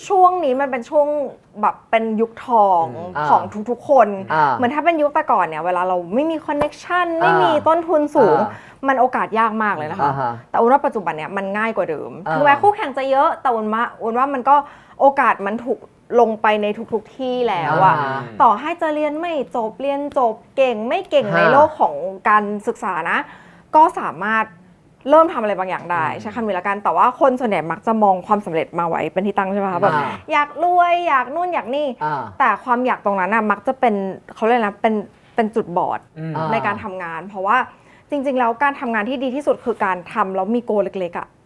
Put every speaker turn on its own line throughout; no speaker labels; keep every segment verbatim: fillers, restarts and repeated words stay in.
ช่วงนี้มันเป็นช่วงแบบเป็นยุคทองของทุกๆคนเหมือนถ้าเป็นยุคแต่ก่อนเนี่ยเวลาเราไม่มีคอนเน็กชันไม่มีต้นทุนสูงมันโอกาสยากมากเลยนะคะแต่อุ่นว่าปัจจุบันเนี่ยมันง่ายกว่าเดิมถึงแม้คู่แข่งจะเยอะแต่อุ่นว่าอุ่นว่ามันก็โอกาสมันถูกลงไปในทุกๆที่แล้วอะต่อให้จะเรียนไม่จบเรียนจบเก่งไม่เก่งในโลกของการศึกษานะก็สามารถเริ่มทำอะไรบางอย่างได้ใช้คำนี้ละกันแต่ว่าคนส่วนใหญ่มักจะมองความสำเร็จมาไว้เป็นที่ตั้งใช่ไหมคะแบบอยากรวยอยากนู่นอยากนี่แต่ความอยากตรงนั้นน่ะมักจะเป็นเขาเรียกนะเป็นเป็นจุดบอดในการทำงานเพราะว่าจริงๆแล้วการทำงานที่ดีที่สุดคือการทำแล้วมีโกเล็กๆอ่ะ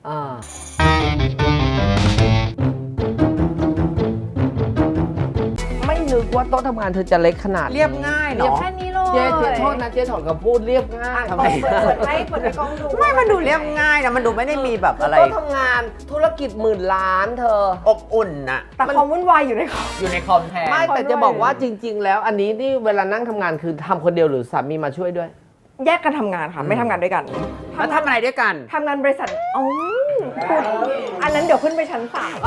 ไม่นึกว่าโต๊ะทำงานเธอจะเล็กขนาด
เรียบง่ายเนาะ
แค่นี้เลย
เจ๊เจ๊โทษนะเจ๊ถอนคำพูดเรียบง่ายทำไม
เปิดให้เปิดให้กล้องดู
ไม่มันดูเรียบง่ายนะมันดูไม่ได้มีแบบอะไร
โต๊ะทำงานธุรกิจหมื่นล้านเธอ
อบอุ่นน่ะ
แต่ความวุ่นวายอยู่ในคอม
อยู่ในคอมแทน
ไม่แต่จะบอกว่าจริง ๆ แล้วอันนี้นี่เวลานั่งทำงานคือทำคนเดียวหรือสามีมาช่วยด้วย
แยกกันทำงานค่ะไม่ทำงานด้วยกัน
แล้วทำอะไรด้วยกัน
ทำงานบริษัทอ๋อพูดอันนั้นเดี๋ยวขึ้นไปชั้นสาม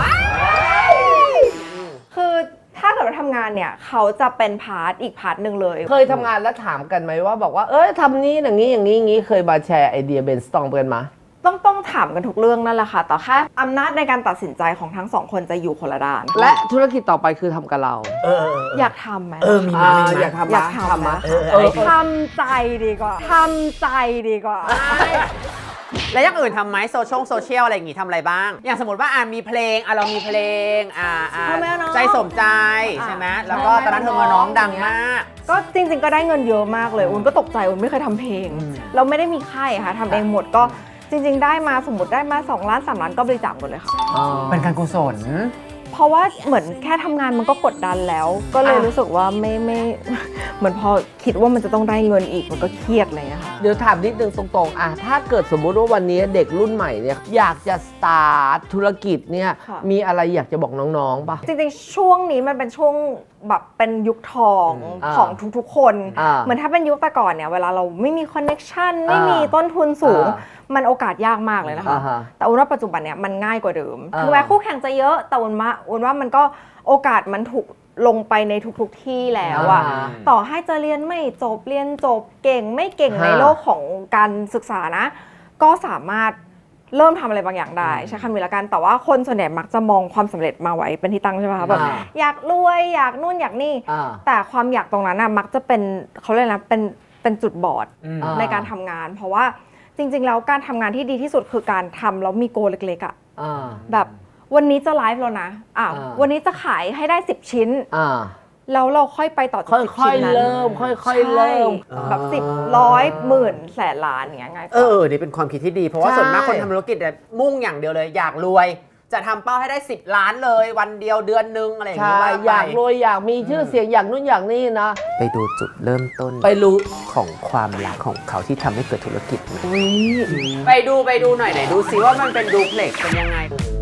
คือถ้าเกิดว่าทำงานเนี่ยเขาจะเป็นพาร์ทอีกพาร์ทหนึ่งเลย
เคยทำงานแล้วถามกันไหมว่าบอกว่าเอ้ยทำนี้อย่างนี้อย่างนี้อย่างนี้เคยมาแชร์ไอเดียเบนสตอร์มกันมา
ต้องต้องถามกันทุกเรื่องนั่นแหละค่ะแต่แค่อำนาจในการตัดสินใจของทั้งสองคนจะอยู่คนละด้าน
และธุรกิจต่อไปคือทำกับเรา
เออ
อยากทำไหม
เออมีมามีมา
อยากทำ
อยากทำไหมทำใจดีกว่าทำใจดีกว่า
แล้วอย่างอื่นทำไหมโซเชียลโซเชียลอะไรอย่างงี้ทำอะไรบ้างอย่างสมมติว่าอ่ามีเพลงอ่ะเรามีเพลงอ่าอ่าใจสมใจใช่ไหมแล้วก็ตอนนั้นเธอมาน้องดังมาก
ก็จริงๆก็ได้เงินเยอะมากเลยอุ่นก็ตกใจอุ่นไม่เคยทำเพลงเราไม่ได้มีค่ายค่ะทำเองหมดก็จริงๆได้มาสมมติได้มาสองล้านสามล้านก็บริจาคหมดเลยค่ะ
เป็นการกุศล
เพราะว่าเหมือนแค่ทำงานมันก็กดดันแล้วก็เลยรู้สึกว่าไม่ไม่เหมือนพอคิดว่ามันจะต้องได้เงินอีกมันก็เครียดอะไรอย่างเงี้ยค่ะ
เดี๋ยวถามนิดนึงตรงๆอ่ะถ้าเกิดสมมุติว่าวันนี้เด็กรุ่นใหม่เนี่ยอยากจะสตาร์ทธุรกิจเนี่ยมีอะไรอยากจะบอกน้องๆป่ะ
จริงๆช่วงนี้มันเป็นช่วงแบบเป็นยุคทองของทุกๆคนเหมือนถ้าเป็นยุคแต่ก่อนเนี่ยเวลาเราไม่มีคอนเน็กชันไม่มีต้นทุนสูงมันโอกาสยากมากเลยนะคะแต่อุ่นว่าปัจจุบันเนี่ยมันง่ายกว่าเดิมถึงแม้คู่แข่งจะเยอะแต่อุ่นว่าอุ่นว่ามันก็โอกาสมันถูกลงไปในทุกๆที่แล้วอะต่อให้จะเรียนไม่จบเรียนจบเก่งไม่เก่งในโลกของการศึกษานะก็สามารถเริ่มทำอะไรบางอย่างได้ใช้คำนี้ละกันแต่ว่าคนส่วนใหญ่มักจะมองความสำเร็จมาไว้เป็นที่ตั้งใช่ไหมคะแบบอยากรวยอยากนู่นอยากนี่แต่ความอยากตรงนั้นอะมักจะเป็นเขาเรียกนะเป็นเป็นจุดบอดในการทำงานเพราะว่าจริงๆแล้วการทำงานที่ดีที่สุดคือการทำแล้วมีโกเล็กๆอะแบบวันนี้จะไลฟ์แล้วนะอ่ะวันนี้จะขายให้ได้สิบชิ้นแล้วเราค่อยไปต่อ
จากสิบชิ้นนั้นค่อยๆเริ่มค่อยๆเริ่ม
แบบสิบร้อยหมื่นแสนล้านอย่างเงี้ยไง
เออนี่เป็นความคิดที่ดีเพราะว่าส่วนมากคนทำธุรกิจมุ่งอย่างเดียวเลยอยากรวยจะทำเป้าให้ได้สิบล้านเลยวันเดียวเดือนนึงอะไรอย่างเงี้ย
อยากรวยอยากมีชื่อเสียงอยากนู่นอย่างนี้นะ
ไปดูจุดเริ่มต้น
ไปรู้
ของความรักของเขาที่ทำให้เกิดธุรกิจไปดูไปดูหน่อยไหนดูซิว่ามันเป็นดูเพล็กเป็นยังไง